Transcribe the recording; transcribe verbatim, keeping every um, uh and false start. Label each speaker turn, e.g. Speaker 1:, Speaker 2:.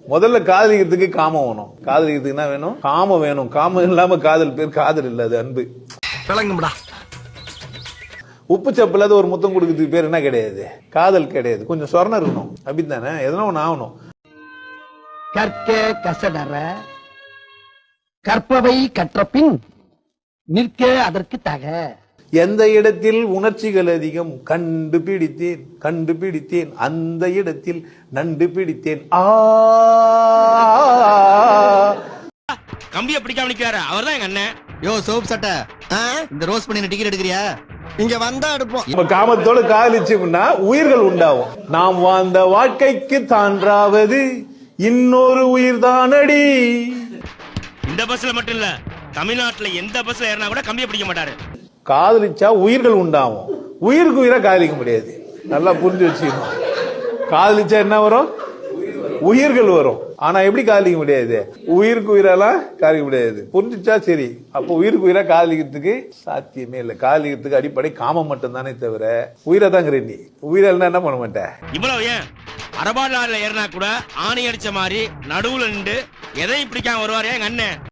Speaker 1: முதல்ல காதலிக்கிறதுக்கு காமம் வேணும். காதலிக்கிறதுக்கு என்ன வேணும்? காமம் வேணும். காமம் இல்லாம காதல் பேர் காதல் இல்ல, அது அன்பு.
Speaker 2: விளங்கும்டா.
Speaker 1: உப்பு சப்பில்லாத ஒரு முத்தம் கொடுக்கறதுக்கு பேர் என்ன கிடையாது? காதல் கிடையாது. கொஞ்சம் சொரணம் இருக்கணும், அப்படித்தானே? எதனா ஒண்ணு ஆகணும்.
Speaker 2: கற்க கசடற கற்பவை கற்ற பின் நிற்க அதற்கு தக.
Speaker 1: எந்த இடத்தில் உணர்ச்சிகள் அதிகம் கண்டுபிடித்தேன் கண்டுபிடித்தேன் அந்த இடத்தில் நண்டு பிடித்தேன். ஆ
Speaker 3: கம்பியை பிடிக்காம நிக்கிறாரு அவர்தான் எங்க அண்ணன்.
Speaker 4: யோ சோப் சட்டை, இந்த ரோஸ் பண்ணி டிக்கெட் எடுக்கிறியா?
Speaker 2: இங்க வந்தா எடுப்போம்.
Speaker 1: நம்ம காமத்தோட காதலிச்சோம்னா உயிர்கள் உண்டாகும். நாம் வாழ்ந்த வாழ்க்கைக்கு தான்றாவது இன்னொரு உயிர் தானடி.
Speaker 3: இந்த பஸ்ல மட்டும் இல்ல, தமிழ்நாட்டுல எந்த பஸ்ல ஏறினா கூட கம்பியை பிடிக்க மாட்டாரு.
Speaker 1: காதலிச்சா உயிர்கள் உண்டாகும். உயிருக்கு உயிரா காதலிக்க முடியாது. நல்லா புரிஞ்சு வச்சுக்கணும். காதலிச்சா என்ன வரும்? உயிர்கள் வரும். ஆனா எப்படி காதலிக்க முடியாது? உயிருக்கு உயிரெல்லாம் காதலிக்க முடியாது. புரிஞ்சுச்சா? சரி, அப்போ உயிருக்கு உயிரா காதலிக்கிறதுக்கு சாத்தியமே இல்லை. காதலிக்கிறதுக்கு அடிப்படை காமம் மட்டும் தானே தவிர உயிரை தான் நீ உயிரெல்லாம் என்ன பண்ண மாட்டேன்.
Speaker 3: இவ்வளவு ஏன் அரபாடுல ஏறினா கூட ஆணி அடிச்ச மாதிரி நடுவுல நின்று எதையும் பிடிக்காம வருவாரு எங்க அண்ணன்.